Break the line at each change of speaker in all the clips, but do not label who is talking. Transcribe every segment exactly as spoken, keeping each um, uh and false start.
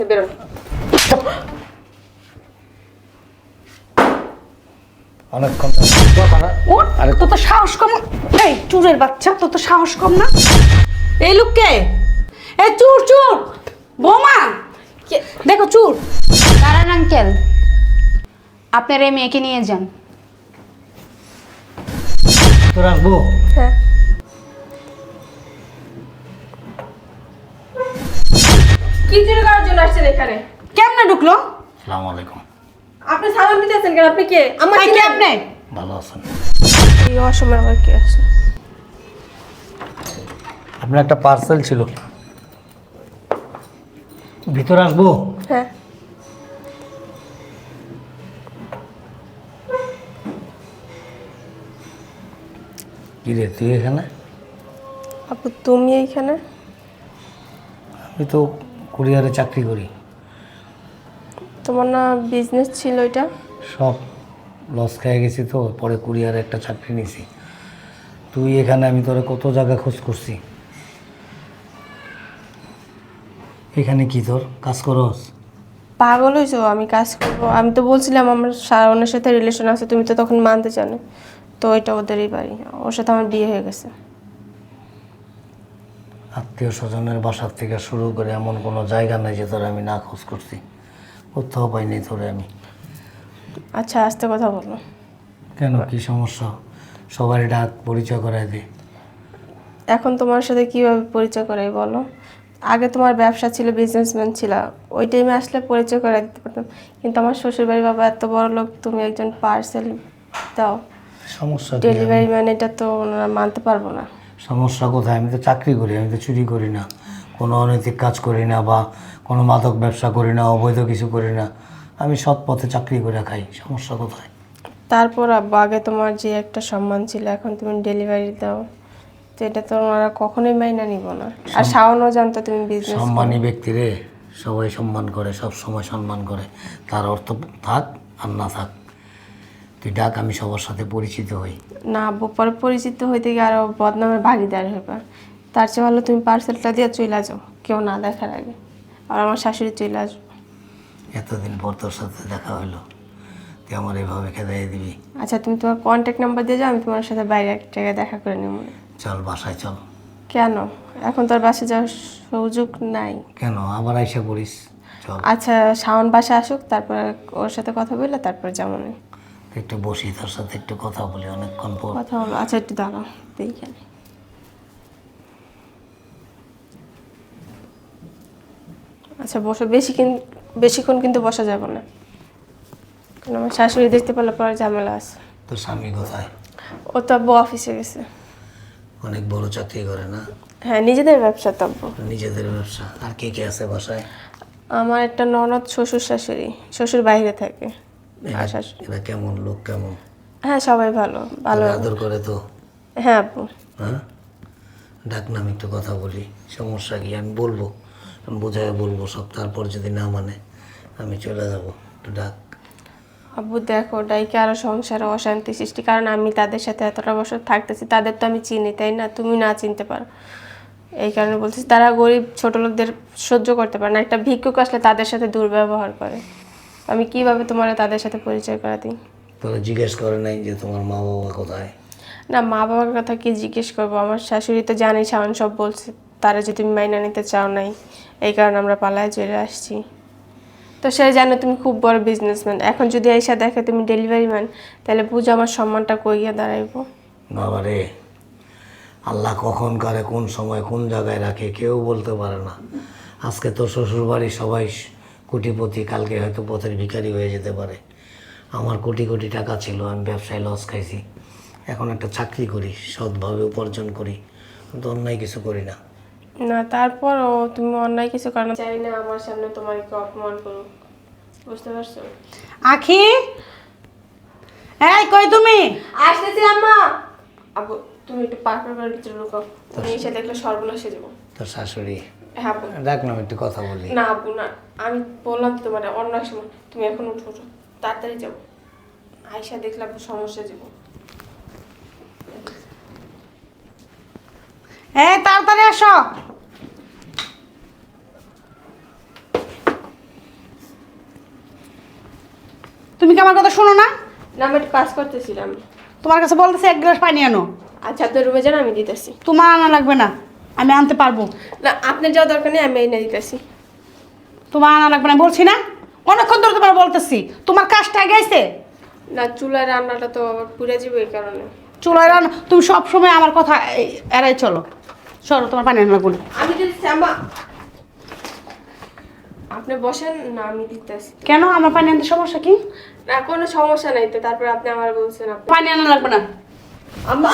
বেরো।
অনেকক্ষণ
ওর আরে তো তো সাহস কম। এই চুরের বাচ্চা, তো তো সাহস কম না। এই লোককে এই চুর চুর বোমা দেখো চুর।
দাঁড়ান আঙ্কেল, আপনার এই মেয়েকে নিয়ে যান।
তোর আসবো।
হ্যাঁ কি চুরি করার জন্য আসছেন এখানে?
কেমনে ঢুকলো?
আসসালামু আলাইকুম।
আপনি সালাম দিতেছেন কেন? আপনি কে? আমার
এই কে আপনি?
ভালো আছেন?
এই অসময় আবার কে আসছে?
আপনার একটা পার্সেল ছিল, ভিতরে আসবো?
হ্যাঁ
কি রে তুই এখানে?
আপু তুমি এইখানে?
আমি তো কুরিয়ারে চাকরি করি।
তোমার না বিজনেস ছিল এটা?
সব লস খেয়ে গেছি, তো পরে কুরিয়ারে একটা চাকরি নিছি। তুই এখানে, আমি তোরে কত জায়গা খোঁজ করছি। এখানে কি তোর কাজ করস?
পাগল হয়েছো? আমি কাজ করবো? আমি তো বলছিলাম আমার শাওনের সাথে রিলেশন আছে, তুমি তো তখন মানতে চাও। তো এটা ওদেরই বাড়ি, ওর সাথে আমার বিয়ে হয়ে গেছে।
আত্মীয় স্বজনের বাসার থেকে শুরু করে এমন কোনো জায়গা নেই যে তোরে আমি না খোঁজ করছি, কোথাও পাইনি তোরে আমি।
আচ্ছা আস্তে কথা বলো।
কেন, কি সমস্যা? সবাই ডাক, পরিচয় করায় দে।
এখন তোমার সাথে কিভাবে পরিচয় করাই বলো? আগে তোমার ব্যবসা ছিল, বিজনেসম্যান ছিল, ওই টাইমে আসলে পরিচয় করে দিতে পারতাম। কিন্তু আমার শ্বশুরবাড়ির বাবা এত বড় লোক, তুমি একজন পার্সেল দাও
সমস্যা কি?
ডেলিভারি ম্যান, এটা তো ওনারা মানতে পারবো না।
সমস্যা কোথায়? আমি তো চাকরি করি, আমি তো চুরি করি না, কোনো অনৈতিক কাজ করি না, বা কোনো মাদক ব্যবসা করি না, অবৈধ কিছু করি না। আমি সৎ পথে চাকরি করে খাই, সমস্যা কোথায়?
তারপর আব্বু, আগে তোমার যে একটা সম্মান ছিল, এখন তুমি ডেলিভারি দাও, তো এটা তো ওনারা কখনোই মাইনা নিব না। আর শাওনও জানতো তুমি বিজনেস।
সম্মানী ব্যক্তিরে সবাই সম্মান করে, সব সময় সম্মান করে, তার অর্থ থাক আর না থাক। তুই ডাক, আমি সবার সাথে পরিচিত হই।
না আব্বু, পরে পরিচিত হইতে গিয়ে আরো বদনামের ভাগিদার হইবা। তার চেয়ে ভালো তুমি পার্সেলটা দিয়ে চলে যাও, কেউ না দেখার আগে। আর আমার শাশুড়ি চলে আসবো।
এতদিন পর তোর সাথে দেখা হলো, তুই আমার এভাবে খেদাই দিবি?
আচ্ছা তুমি তোমার কন্ট্যাক্ট নাম্বার দিয়ে যাও, আমি তোমার সাথে বাইরে এক জায়গায় দেখা করে নেব।
চল বাসায় চল।
কেন? এখন তোর বাসে যাওয়ার সুযোগ নাই।
কেন, আবার আইসা পড়িস? চল।
আচ্ছা শাওন বাসা আসুক, তারপর ওর সাথে কথা বললে তারপর যেমন
একটু বসি, তোর সাথে একটু কথা বলি, অনেকক্ষণ পর।
কথা হলো। আচ্ছা একটু দাঁড়াও এইখানে। আচ্ছা বসো, বেশি কিন বেশিক্ষণ কিন্তু বসা যাবে না, কারণ আমার শাশুড়ি দেখতে পেলে পরে ঝামেলা আছে।
তোর স্বামী কোথায়?
ও তো আব্বু অফিসে গেছে।
অনেক বড় চাকরি করে না?
হ্যাঁ নিজেদের ব্যবসা তো আব্বু।
নিজেদের ব্যবসা। আর কে কে আছে বাসায়?
আমার একটা ননদ, শ্বশুর শাশুড়ি। শ্বশুর বাইরে থাকে আর শাশুড়ি।
এরা কেমন লোক, কেমন?
হ্যাঁ সবাই ভালো ভালো।
তোরে আদর করে তো?
হ্যাঁ আব্বু।
হ্যাঁ, ডাক না, আমি একটু কথা বলি। সমস্যা কি? আমি বলবো, আমি বোঝায় বলবো সব। তারপর যদি না মানে আমি চলে যাব। একটু ডাক।
আব্বু দেখো, ডাইকে আরো সংসারে অশান্তি সৃষ্টি, কারণ আমি তাদের সাথে এতটা বছর থাকতেছি, তাদের তো আমি চিনি, তাই না? তুমি না চিনতে পারো, এই কারণে বলছি। তারা গরিব ছোট লোকদের সহ্য করতে পারে না, একটা ভিক্ষুক আসলে তাদের সাথে দুর্ব্যবহার করে। আমি কিভাবে তোমার তাদের সাথে পরিচয় করা দিই?
তোরা জিজ্ঞেস করে নাই যে তোমার মা বাবা কোথায়?
না মা বাবার কথা কি জিজ্ঞেস করবো? আমার শাশুড়ি তো জানি, শাওন সব বলছে, তারা যদি তুমি মাইনা নিতে চাও নাই, এই কারণে আমরা পালায় চলে আসছি। তো সে জানো তুমি খুব বড় বিজনেসম্যান, এখন যদি এসে দেখে তুমি ডেলিভারি ম্যান, তাহলে বুঝো আমার সম্মানটা কই গিয়ে দাঁড়াইবো।
বাবা রে, আল্লাহ কখন করে, কোন সময়, কোন জায়গায় রাখে কেউ বলতে পারে না। আজকে তো শ্বশুর বাড়ি সবাই কোটিপতি, কালকে হয়তো পথের ভিখারি হয়ে যেতে পারে। আমার কোটি কোটি টাকা ছিল, আমি ব্যবসায় লস খাইছি। এখন একটা চাকরি করি, সৎভাবে উপার্জন করি, কিন্তু অন্যায় কিছু করি না।
না তারপরও তুমি অন্যায় কিছু কারণ চাই না আমার সামনে তোমার কি অপমান করুক, বুঝতে পারছো?
আখি, এই কই তুমি?
আসতেছি আম্মা। আব্বু তুমি একটু পাকড় করে ভিতরে ঢুকাও, তুমি এসে দেখলে সর্বনাশে যাবো।
তোর শাশুড়ি?
হ্যাঁ আব্বু।
ডাক না, আমি একটু কথা বলি।
না আব্বু না, আমি বললাম তো তোমার অন্য এক সময়, তুমি এখন উঠো উঠো, তাড়াতাড়ি যাবো। আয়সা দেখলে আব্বু সমস্যা যাবো।
এই তাড়াতাড়ি আসো। তুমি কি আমার কথা শোনো না?
না আমি একটু কাজ করতেছিলাম।
তোমার কাছে বলতেছি এক গ্লাস পানি আনো।
আচ্ছা আপনার রুমে যান, আমি দিতেছি।
তোমার আনা লাগবে না, আমি আনতে পারবো।
না আপনার যাওয়া দরকার নেই, আমি এনে দিতেছি।
তোমার আনা লাগবে না বলছি না, অনেকক্ষণ ধরে তোমার বলতেছি। তোমার কাজটা আগে আইছে।
না চুলার রান্নাটা তো আবার পুড়ে যাবে এই কারণে।
চুলায় রান্না, তুমি সব সময় আমার কথা এ- এড়াই চলো। চলো তোমার পানি আনা লাগবে না।
আমি দিতেছি আম্মা। আপনি বসেন না, আমি দিতেছি।
কেন আমার পানি আনতে সমস্যা কি?
না কোনো সমস্যা নাই তো, তারপর আপনি আমার বলছেন আপনি।
পানি আনা লাগবে না।
আম্মা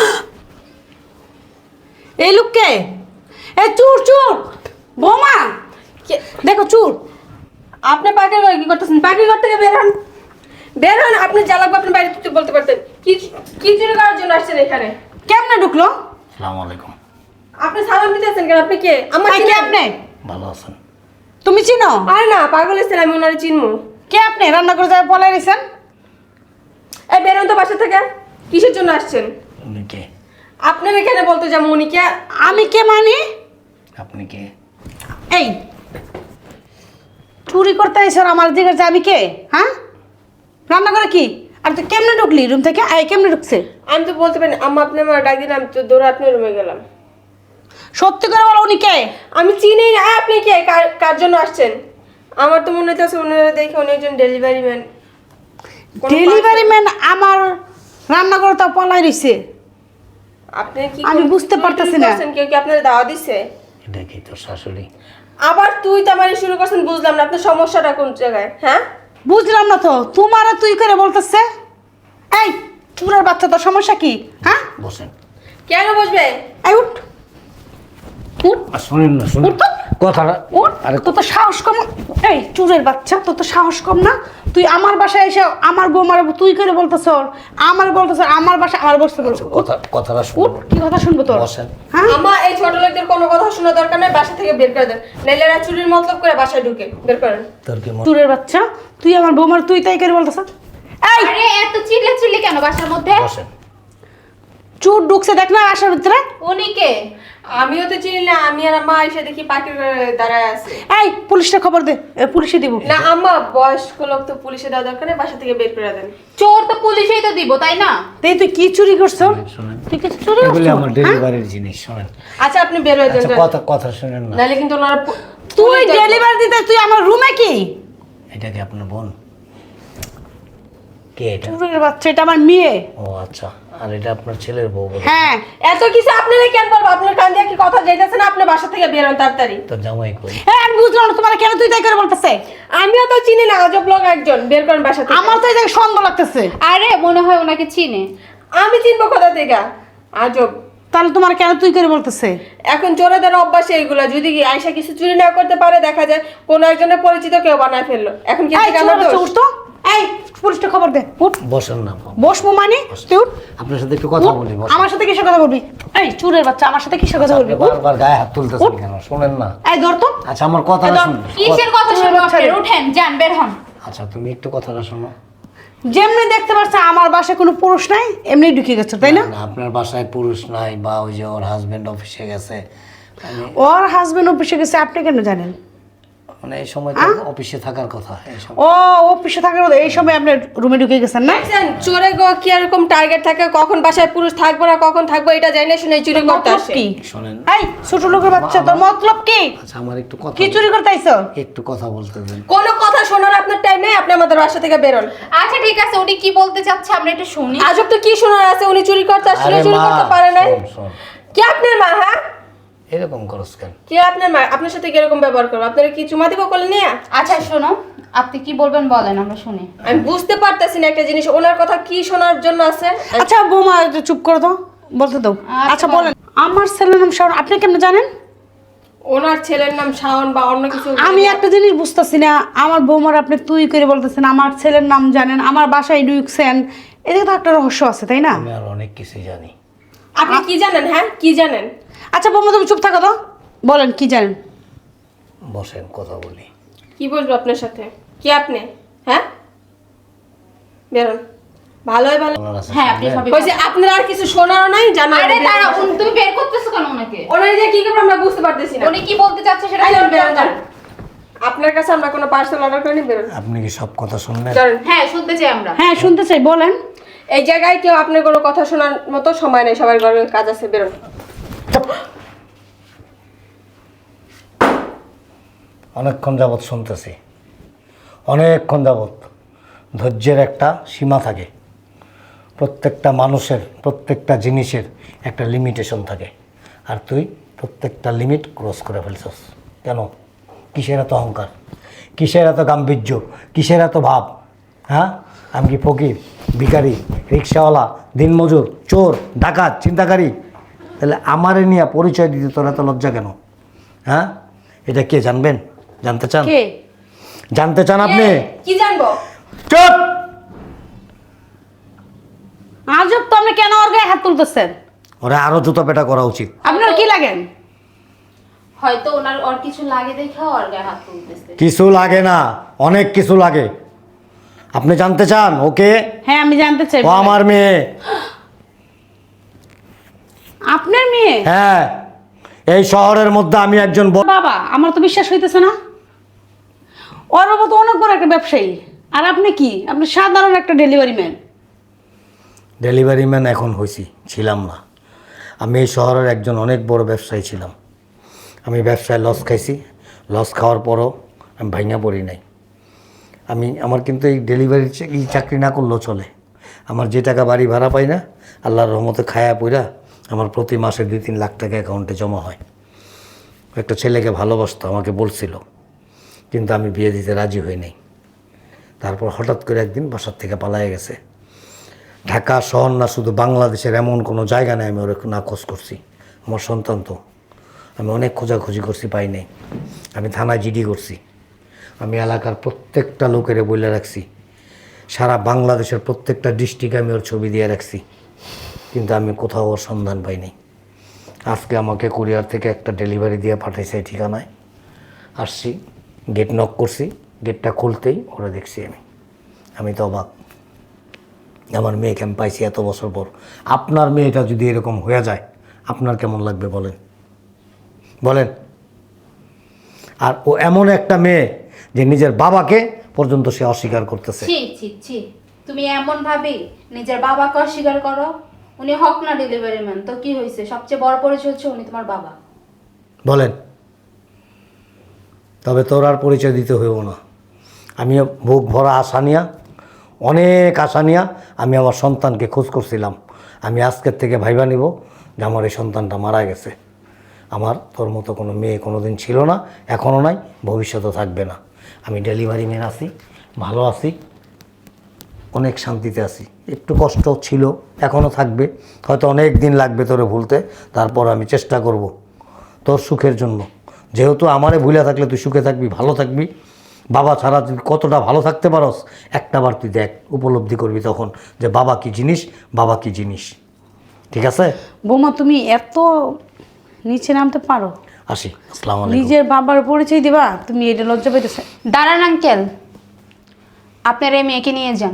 এই লোককে, এ চুর চুর বোমা,
কে-
দেখো চুর।
আপনি পাখির ঘরে কি করতেছেন? পাখির ঘর থেকে বের হন, বের হন। আপনি যা লাগবে আপনি বাইরে থেকে বলতে পারতেন। কি কি চুরি করার জন্য আসছেন এখানে?
কেমনে ঢুকলো?
আসসালামু আলাইকুম।
আপনি সালাম দিতেছেন কেন? আপনি কে? আমার
এই কে আপনি?
ভালো আছেন?
তুমি চিনো?
আরে না পাগল হয়েছেন, আমি ওনারে চিনবো।
কে আপনি? রান্না করে যাবে পলাই রয়েছেন।
এই বেরোন তো বাসা থেকে। কিসের জন্য আসছেন?
উনি কে?
আপনার এখানে বলতে যাবো উনি কে?
আমি কে মানি?
আপনি কে?
এই চুরি করতে আইসর আমার জিজ্ঞাসা আমি কে? হ্যাঁ, রান্না করে কি? আর তুই কেমনে ঢুকলি রুম থেকে? আই কেমনে ঢুকছে?
আমি তো বলতে পারি আম্মা, আপনি আমার ডাক দিন, আমি তো দৌড়ে আপনার রুমে গেলাম।
সত্যি করে বলো উনি কে?
আমি চিনি না। আপনি কে? কার- কার জন্য আসছেন? আমার তো মনে হচ্ছে ওনারা দেখে উনি একজন ডেলিভারি ম্যান।
ডেলিভারি ম্যান আমার রান্না করে তা পলাই রইছে।
আপনি কি
আমি
কোন-
বুঝতে
চুরি
পারতেছি
টুরি
না।
করছেন? কেউ কি আপনার দাওয়া দিছে?
এটা কি তোর শাশুড়ি?
আবার তুই তো আমার শুরু করছেন, বুঝলাম না আপনার সমস্যাটা কোন জায়গায়। হ্যাঁ
বুঝলাম না তো, তোমারও তুই করে বলতেছে। এই চুরের বাচ্চা, তোর সমস্যা কি? হ্যাঁ,
বসেন।
কেন বসবে?
এই উঠ উঠ
আর শুনেন না, শুনুন
উঠ তো।
কথাটা।
উঠ।
আরে
তোর তো সাহস কম। এই চুরের বাচ্চা, তোর তো সাহস কম না? তুই আমার বাসায় এসে আমার বৌমার তুই করে বলতেছ, আমার বলতেছ আমার বাসায় আমার বসতে বলছো।
কথা কথাটা
উঠ,
শুনুন।
কি কথা শুনবো তোর?
বসেন।
হ্যাঁ,
আমার এই ছোট লোকদের কোনো কথা শোনা দরকার নেই, বাসা থেকে বের করে দেন। নাইলে এরা চুরির মতলব করে বাসায় ঢুকে। বের করেন।
তোর কি মন?
চুরের বাচ্চা, তুই আমার বৌমার তুই তাই করে বলতেছ। এই
আরে এত চিল্লা চিল্লি কেন বাসার মধ্যে?
বসেন।
চুর ঢুকছে দেখ না আসার ভিতরে।
উনি কে?
আমিও তো চিনি না, আমি আর আম্মা এসে দেখি পাখির ঘরে দাঁড়ায় আছে।
এই পুলিশটা খবর দে, এ, পুলিশে দিব।
না আম্মা, বয়স্ক লোক তো পুলিশে দেওয়া দরকার নেই, বাসা থেকে বের করে দেন।
চোর তো পুলিশেই তো দিব, তাই না?
এই তুই কি চুরি করছ?
শুনেন,
তুই কিছু চুরি
এগুলি
করছ?
আমার ডেলিভারির জিনিস। শুনেন,
আচ্ছা আপনি বের হয়ে যান।
আচ্ছা কথা কথা শুনেন না।
নাইলে কিন্তু ওনারা পু-
তুই
পুলিশ দেখবে।
ডেলিভারি দিতে তুই আমার রুমে কি?
এটা কি আপনার বোন? কে এটা?
চুরের বাচ্চা, এটা আমার মেয়ে।
ও আচ্ছা। আর এটা আপনার ছেলের বউ বলে?
হ্যাঁ,
এত কিছু আপনারা কেন বলবো? আপনার কান দিয়ে কি কথা যাইতেছে না? আপনি বাসা থেকে বের হন তাড়াতাড়ি।
তোর জামাই কই?
হ্যাঁ আমি বুঝলাম না তোমার কেন তুই তাই করে বলতেছে।
আমিও তো চিনি না, আজব লোক একজন। বের করেন বাসা থেকে।
আমার তো এই জায়গায় সন্দেহ লাগতেছে।
আরে মনে হয় ওনাকে চিনে।
আমি চিনবো কোথা থেকে? আজব।
তাহলে তোমার কেন তুই করে বলতেছে?
এখন চোরেদের অভ্যাস এইগুলা। যদি কি আয়সা কিছু চুরি না করতে পারে, দেখা যায় কোনো একজনের পরিচিত কেউ বানায় ফেললো। এখন কি
এই
থেকে
চুরের
আমার
বাচ্চা
দোষ?
উঠ তো। এই পুলিশটা খবর দে, উঠ।
বসেন না।
বসবো মানে তুই উঠ।
আপনার সাথে একটু কথা
উঠ।
বলি। বসেন।
আমার সাথে কিসের কথা বলবি? এই চুরের বাচ্চা আমার সাথে কিসের কথা বলবি?
আপনি
উঠ।
বারবার গায়ে হাত তুলতেছেন
উঠ।
কেন? শুনেন না।
এই ধর তো।
আচ্ছা আমার কথাটা
একদম।
শুনুন।
কিসের কথা
চোরের
শুনবো
বাচ্চা
আপনার?
রে।
উঠেন, যান, বের হন।
আচ্ছা তুমি একটু কথাটা শোনো।
যেমনি দেখতে পাচ্ছ আমার বাসায় কোনো পুরুষ নাই, এমনি ঢুকে গেছে তাই না?
না, আপনার বাসায় পুরুষ নাই, বা ওই যে ওর হাজবেন্ড অফিসে গেছে। আমি
ওর হাজবেন্ড অফিসে গেছে, আপনি কেন জানেন?
মানে এই সময় তো অফিসে থাকার কথা। এই সময়
ও অফিসে থাকার কথা, এই সময় আপনি রুমে ঢুকে গেছেন না?
দেখছেন, চোরে গো কি এরকম টার্গেট থাকে, কখন বাসায় পুরুষ থাকবো না কখন থাকবো এটা জানি না, শুনে চুরি করতে
মতলব
আসে।
কি?
শোনেন।
এই ছোট লোকের বাচ্চা, তোর মতলব কি?
আচ্ছা আমার একটু কথা
কি চুরি করতে আইছো?
একটু কথা বলতে দেন।
কোনো কথা শোনার আপনার টাইম নেই, আপনি আমাদের বাসা থেকে বেরোন।
আচ্ছা ঠিক আছে, উনি কি বলতে চাচ্ছে আমরা একটু শুনি।
আজব তো কি শোনার আছে? উনি চুরি করতে আসছিল,
আরে
চুরি
মা,
করতে পারে না।
শোন, শোন।
কে আপনার মা? হ্যাঁ,
এরকম করস কেন?
কে আপনার মা? আপনার সাথে কিরকম ব্যবহার করবো? আপনারা কি চুমা দিব কোলে নিয়ে?
আচ্ছা শোনো, আপনি কি বলবেন বলেন, আমরা শুনি।
আমি বুঝতে পারতেছি না একটা জিনিস, ওনার কথা কি শোনার জন্য আছে।
আচ্ছা বৌমা একটু চুপ করে দাও, বলতে দাও।
আচ্ছা,
আচ্ছা বলেন। আমার ছেলের নাম শাওন, আপনি কেমন জানেন?
ওনার ছেলের নাম শাওন বা অন্য কিছু?
আমি একটা জিনিস বুঝতেছি না, আমার বৌমার আপনি তুই করে বলতেছেন, আমার ছেলের নাম জানেন, আমার বাসায় ঢুকছেন, এদিকে তো একটা রহস্য আছে তাই না?
আমি আর অনেক কিছু জানি।
আপনি কি জানেন? হ্যাঁ কি জানেন?
আচ্ছা বৌমা তুমি চুপ থাকো তো, বলেন কি জানেন?
বসেন কথা বলি।
কি বলবো আপনার সাথে? কি আপনি? হ্যাঁ বেরোন। ভালোই ভালো।
আপনার আছে
হ্যাঁ আপনি
শুনবেন?
সবই।
বলছি আপনার আর কিছু শোনারও নাই, জানার।
আরে দাঁড়াও, উনি- তুমি বের করতেছো কেন ওনাকে?
ওনার যে কি করবো আমরা বুঝতে পারতেছি না।
উনি কি বলতে চাচ্ছে সেটা
এই
শুনবে
বেরোন,
আমরা।
যান। আপনার কাছে আমরা কোনো পার্সেল অর্ডার করিনি, বেরোন।
আপনি কি সব কথা শুনলেন?
চলেন।
হ্যাঁ শুনতে চাই আমরা।
হ্যাঁ শুনতে চাই, বলেন।
এই জায়গায় কেউ আপনার কোনো কথা শোনার মতো সময় নেই, সবার ঘরে কাজ আছে, বেরোন।
অনেকক্ষণ যাবৎ শুনতেছি, অনেকক্ষণ যাবৎ। ধৈর্যের একটা সীমা থাকে, প্রত্যেকটা মানুষের প্রত্যেকটা জিনিসের একটা লিমিটেশন থাকে, আর তুই প্রত্যেকটা লিমিট ক্রস করে ফেলছস। কেন? কিসের এত অহংকার, কিসের এত গাম্ভীর্য, কিসের এত ভাব? হ্যাঁ, আমি কি ফকির, ভিখারি, রিক্সাওয়ালা, দিনমজুর, চোর, ডাকাত, চিন্তাকারী? তাহলে আমারে নিয়ে পরিচয় দিতে তোর এত লজ্জা কেন? হ্যাঁ, এটা কে জানবেন? জানতে চান?
কে?
জানতে চান আপনি?
কি জানবো?
চুপ!
আজব তো, আপনি কেন ওর গায়ে হাত তুলতেছেন?
ওরা আরো জুতো পেটা করা উচিত।
আপনার কি লাগেন?
হয়তো ওনার ওর কিছু লাগে দেখে ওর গায়ে হাত তুলতেছে।
কিছু লাগে না, অনেক কিছু লাগে। আপনি জানতে চান ওকে?
হ্যাঁ আমি জানতে চাই।
ও আমার মেয়ে।
আপনার মেয়ে?
হ্যাঁ, এই শহরের মধ্যে আমি একজন বড়-
বাবা, আমার তো বিশ্বাস হইতেছে না। ওর বাবা তো অনেক বড় একটা ব্যবসায়ী, আর আপনি কি? আপনি সাধারণ একটা ডেলিভারি ম্যান।
ডেলিভারি ম্যান এখন হয়েছি, ছিলাম না। আমি এই শহরের একজন অনেক বড় ব্যবসায়ী ছিলাম। আমি ব্যবসায় লস খাইছি, লস খাওয়ার পরও আমি ভাঙা পড়ি নাই। আমি আমার কিন্তু এই ডেলিভারি এই চাকরি না করলেও চলে। আমার যে টাকা বাড়ি ভাড়া পাই না, আল্লাহর রহমতে খায়া পইরা আমার প্রতি মাসে দুই তিন লাখ টাকা অ্যাকাউন্টে জমা হয়। একটা ছেলেকে ভালোবাসতো, আমাকে বলছিল, কিন্তু আমি বিয়ে দিতে রাজি হই নাই। তারপর হঠাৎ করে একদিন বাসার থেকে পালায়ে গেছে। ঢাকা শহর না, শুধু বাংলাদেশের এমন কোনো জায়গা নেই আমি ওর না খোঁজ করছি। আমার সন্তান তো, আমি অনেক খোঁজাখুঁজি করছি, পাই নাই। আমি থানায় জিডি করছি, আমি এলাকার প্রত্যেকটা লোকেরে বলে রাখছি, সারা বাংলাদেশের প্রত্যেকটা ডিস্ট্রিক্টে আমি ওর ছবি দিয়ে রাখছি, কিন্তু আমি কোথাও ওর সন্ধান পাইনি। আজকে আমাকে কুরিয়ার থেকে একটা ডেলিভারি দিয়ে পাঠাইছে এই ঠিকানায়। আসছি, গেট নক করছি, গেটটা খুলতেই ওরা দেখছি আমি। আমি তো অবাক, আমার মেয়েকে আমি পাইছি এত বছর পর। আপনার মেয়েটা যদি এরকম হয়ে যায় আপনার কেমন লাগবে বলেন? বলেন। আর ও এমন একটা মেয়ে যে নিজের বাবাকে পর্যন্ত সে অস্বীকার করতেছে।
ছি ছি ছি, তুমি এমন ভাবে নিজের বাবাকে অস্বীকার করো? উনি হক না ডেলিভারি ম্যান, তো কি হয়েছে? সবচেয়ে বড় পরিচয় হচ্ছে উনি তোমার বাবা।
বলেন। তবে তোর আর পরিচয় দিতে হইব না। আমিও বুক ভরা আশা নিয়া, অনেক আশা নিয়া আমি আমার সন্তানকে খোঁজ করছিলাম। আমি আজকের থেকে ভাইবা নিব যে আমার এই সন্তানটা মারা গেছে। আমার তোর মতো কোনো মেয়ে কোনো দিন ছিল না, এখনও নাই, ভবিষ্যতেও থাকবে না। আমি ডেলিভারি ম্যান আছি, ভালো আছি, অনেক শান্তিতে আছি। একটু কষ্ট ছিল, এখনও থাকবে, হয়তো অনেক দিন লাগবে তোরে ভুলতে। তারপর আমি চেষ্টা করব তোর সুখের জন্য। যেহেতু আমারে ভুলে থাকলে তুই সুখে থাকবি, ভালো থাকবি। বাবা ছাড়া তুই কতটা ভালো থাকতে পারস একটা বার তুই দেখ, উপলব্ধি করবি তখন যে বাবা কি জিনিস, বাবা কি জিনিস। ঠিক আছে?
বৌমা, তুমি এত নিচে নামতে পারো?
আসি, আসসালামু আলাইকুম।
নিজের বাবার পরিচয় দিবা? তুমি এটা লজ্জা পাইতেছে?
দাঁড়ান আঙ্কেল, আপনার এই মেয়েকে নিয়ে যান।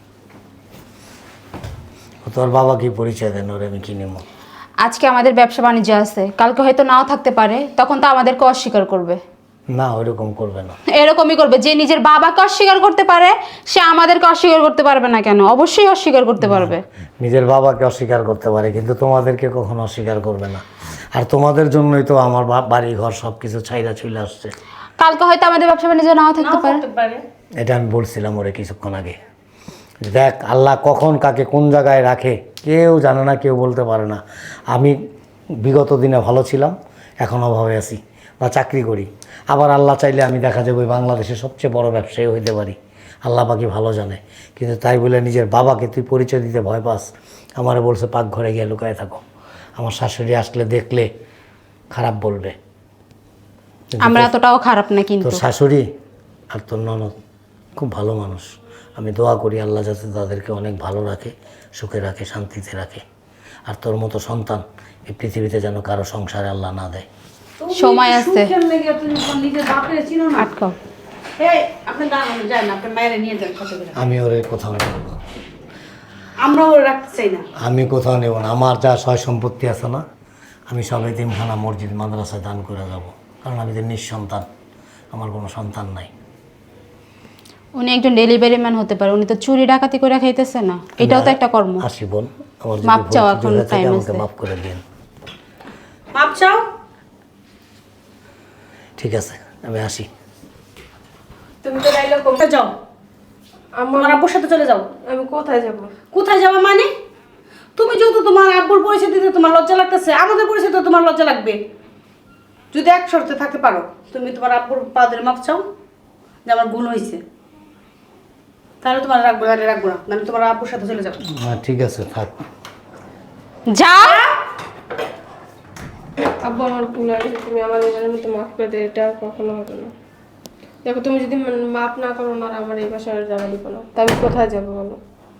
তোর বাবা কি পরিচয় দেন, ওরে আমি কি নেব?
আজকে আমাদের ব্যবসা বাণিজ্য আছে, কালকে হয়তো নাও থাকতে পারে, তখন তো আমাদেরকে অস্বীকার করবে।
না, ওইরকম করবে না।
এরকমই করবে, যে নিজের বাবাকে অস্বীকার করতে পারে সে আমাদেরকে অস্বীকার করতে পারবে না কেন? অবশ্যই অস্বীকার করতে পারবে।
নিজের বাবাকে অস্বীকার করতে পারে, কিন্তু তোমাদেরকে কখনো অস্বীকার করবে না। আর তোমাদের জন্যই তো আমার বা- বাড়ি ঘর সব কিছু ছাইরা চলে আসছে।
কালকে হয়তো আমাদের ব্যবসা বাণিজ্য নাও থাকতে পারে।
এটা আমি বলছিলাম ওরে কিছুক্ষণ আগে। দেখ, আল্লাহ কখন কাকে কোন জায়গায় রাখে কেউ জানে না, কেউ বলতে পারে না। আমি বিগত দিনে ভালো ছিলাম, এখন অভাবে আছি বা চাকরি করি। আবার আল্লাহ চাইলে আমি দেখা যাবে বাংলাদেশের সবচেয়ে বড় ব্যবসায়ী হইতে পারি। আল্লাহ পাকি ভালো জানে। কিন্তু তাই বলে নিজের বাবাকে তুই পরিচয় দিতে ভয় পাস। আমারে বলছে পাকঘরে গিয়ে লুকায় থাকো, আমার শাশুড়ি আসলে দেখলে খারাপ বলবে।
আমরা এতটাও খারাপ না কিন্তু।
তোর শাশুড়ি আর তোর ননদ খুব ভালো মানুষ। আমি দোয়া করি আল্লাহ যাতে তাদেরকে অনেক ভালো রাখে, সুখে রাখে, শান্তিতে রাখে। আর তোর মতো সন্তান এই পৃথিবীতে যেন কারো সংসারে আল্লাহ না দেয়।
সময় আছে।
সুখের লেগে তুমি তোমার নিজের বাপের চিনো না?
আটকাও।
এই আপনি দাঁড়ানো যায় না, আপনার মায়ের নিয়ে যান কত করে।
আমি ওরে কোথাও নেব না,
আমরা ওর রাখতে চাই না।
আমি কোথাও নেব না। আমার যা সয় সম্পত্তি আছে না, আমি সব এতিমখানা, মসজিদ, মাদ্রাসায় দান করে যাব। কারণ আমি তো নিঃসন্তান, আমার কোনো সন্তান নাই।
উনি একজন ডেলিভারি ম্যান হতে পারে, উনি তো চুরি ডাকাতি করে খাইতেছে না, এটাও তো একটা কর্ম।
আসি বোন, আমার যদি
মাপ
ভুল
চাও,
ত্রুটি
এখন
হয়ে থাকে
time
আমাকে
আছে।
মাফ করে দিন।
মাপ চাও।
ঠিক আছে, আমি আসি।
তুমি তো ডাইলগ কম।
যাও,
আমার
আমার আব্বুর সাথে চলে যাও।
আমি কোথায় যাব?
কোথায় যাওয়া মানে? তুমি যেহেতু তোমার আব্বুর পরিস্থিতিতে তোমার লজ্জা লাগতেছে, আমাদের পরিস্থিতিতে তোমার লজ্জা লাগবে। যদি এক শর্তে থাকতে পারো, তুমি তোমার আব্বুর পা ধরে মাপ চাও যে আমার ভুল হয়েছে, তাহলে তোমার রাখবো, নাহলে রাখবো না, নাহলে তোমার আব্বুর সাথে চলে যাও।
হ্যাঁ ঠিক আছে, থাক।
যাও।
আব্বু আমার ভুল হয়ে গেছে, তুমি আমার নিজের মতো মাফ করে দে, এটা আর কখনো হবে না। দেখো তুমি যদি মান- মাফ না করো না, আর আমার এই বাসায় আর জানা দিব না, তা আমি কোথায় যাবো বলো?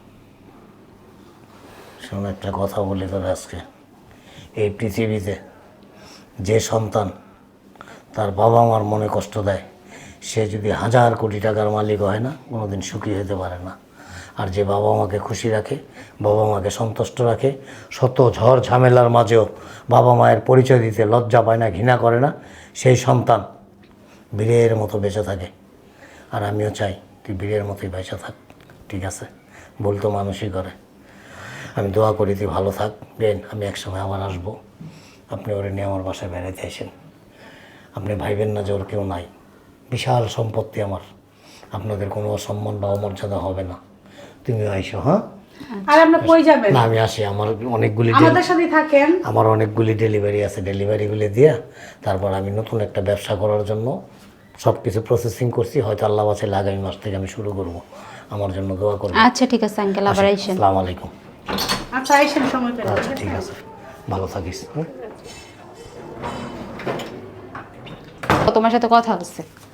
শোন, একটা কথা বলি তোর আজকে, এই পৃথিবীতে যে সন্তান তার বাবা মার মনে কষ্ট দেয়, সে যদি হাজার কোটি টাকার মালিক হয় না, কোনোদিন সুখী হতে পারে না। আর যে বাবা মাকে খুশি রাখে, বাবা মাকে সন্তুষ্ট রাখে, শত ঝড় ঝামেলার মাঝেও বাবা মায়ের পরিচয় দিতে লজ্জা পায় না, ঘৃণা করে না, সেই সন্তান বীরের মতো বেঁচে থাকে। আর আমিও চাই তুই বীরের মতোই বেঁচে থাক, ঠিক আছে? ভুল তো মানুষই করে। আমি দোয়া করি তুই ভালো থাক। বেন, আমি একসময় আবার আসবো, আপনি ওরে নিয়ে আমার বাসায় বেড়াতে আসেন। আপনি ভাইবেন না যে ওর কেউ নাই, বিশাল সম্পত্তি আমার, আপনাদের কোনো অসম্মান বা অমর্যাদা হবে না। তুমিও আইসো, হ্যাঁ?
আর আপনার কই যাবেন?
না, আমি আসি, আমার অনেকগুলি ডেলি-
আমাদের সাথেই থাকেন।
আমার অনেকগুলি ডেলিভারি আছে, ডেলিভারিগুলি দিয়ে তারপর আমি নতুন একটা ব্যবসা করার জন্য সব কিছু প্রসেসিং করছি। হয়তো আল্লাহ বাঁচাইলে আগামী মাস থেকে আমি শুরু করব। আমার জন্য দোয়া করবেন।
আচ্ছা ঠিক আছে আঙ্কেল, আবার আইসেন।
আসসালামু আলাইকুম।
আচ্ছা, আইসেন সময় পেলে।
আচ্ছা ঠিক আছে, ভালো থাকিস। হুম?
তোমার সাথে কথা হচ্ছে।